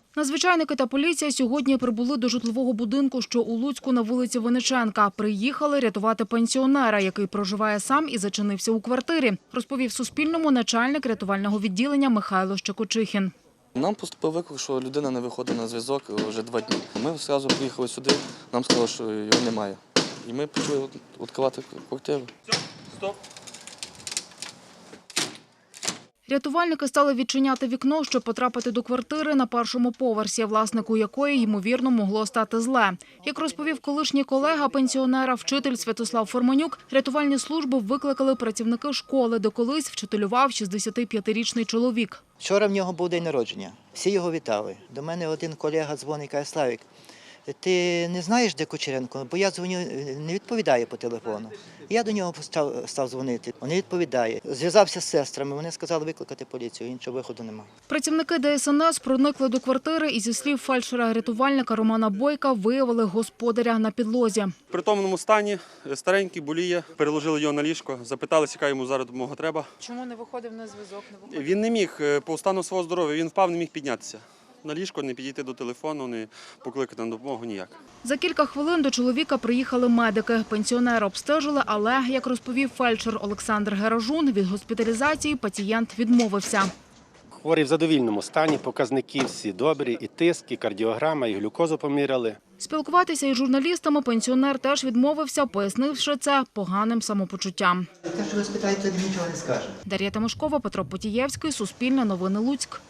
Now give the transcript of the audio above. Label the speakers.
Speaker 1: Надзвичайники та поліція сьогодні прибули до житлового будинку, що у Луцьку на вулиці Винниченка. Приїхали рятувати пенсіонера, який проживає сам і зачинився у квартирі, розповів Суспільному начальник рятувального відділення Михайло Щекочихін.
Speaker 2: Нам поступив виклик, що людина не виходить на зв'язок вже 2 дні. Ми одразу приїхали сюди, нам сказали, що його немає. І ми почали відкривати квартиру.
Speaker 3: Стоп.
Speaker 1: Рятувальники стали відчиняти вікно, щоб потрапити до квартири на першому поверсі, власнику якої, ймовірно, могло стати зле. Як розповів колишній колега пенсіонера, вчитель Святослав Форманюк, рятувальні служби викликали працівники школи, де колись вчителював 65-річний чоловік.
Speaker 4: Вчора в нього був день народження. Всі його вітали. До мене один колега дзвонить і каже: Славік, ти не знаєш, де Кучеренко? Бо я дзвоню, не відповідає по телефону. Я до нього став дзвонити, він не відповідає. Зв'язався з сестрами, вони сказали викликати поліцію, іншого виходу немає.
Speaker 1: Працівники ДСНС проникли до квартири і, зі слів фельдшера-рятувальника Романа Бойка, виявили господаря на підлозі.
Speaker 3: В притомному стані, старенький, боліє, переложили його на ліжко, запиталися, яка йому зараз допомога треба.
Speaker 1: Чому не виходив на зв'язок?
Speaker 3: Він не міг, по стану свого здоров'я, він впав, не міг піднятися. На ліжко, не підійти до телефону, не покликати на допомогу ніяк.
Speaker 1: За кілька хвилин до чоловіка приїхали медики. Пенсіонера обстежили, але, як розповів фельдшер Олександр Геражун, від госпіталізації пацієнт відмовився.
Speaker 5: Хворий в задовільному стані, показники всі добрі, і тиск, і кардіограма, і глюкозу поміряли.
Speaker 1: Спілкуватися із журналістами пенсіонер теж відмовився, пояснивши це поганим самопочуттям.
Speaker 4: Те, що ви спитаєте, він нічого не скаже.
Speaker 1: Дар'я Тимошкова, Петро Потієвський, Суспільне новини Луцьк.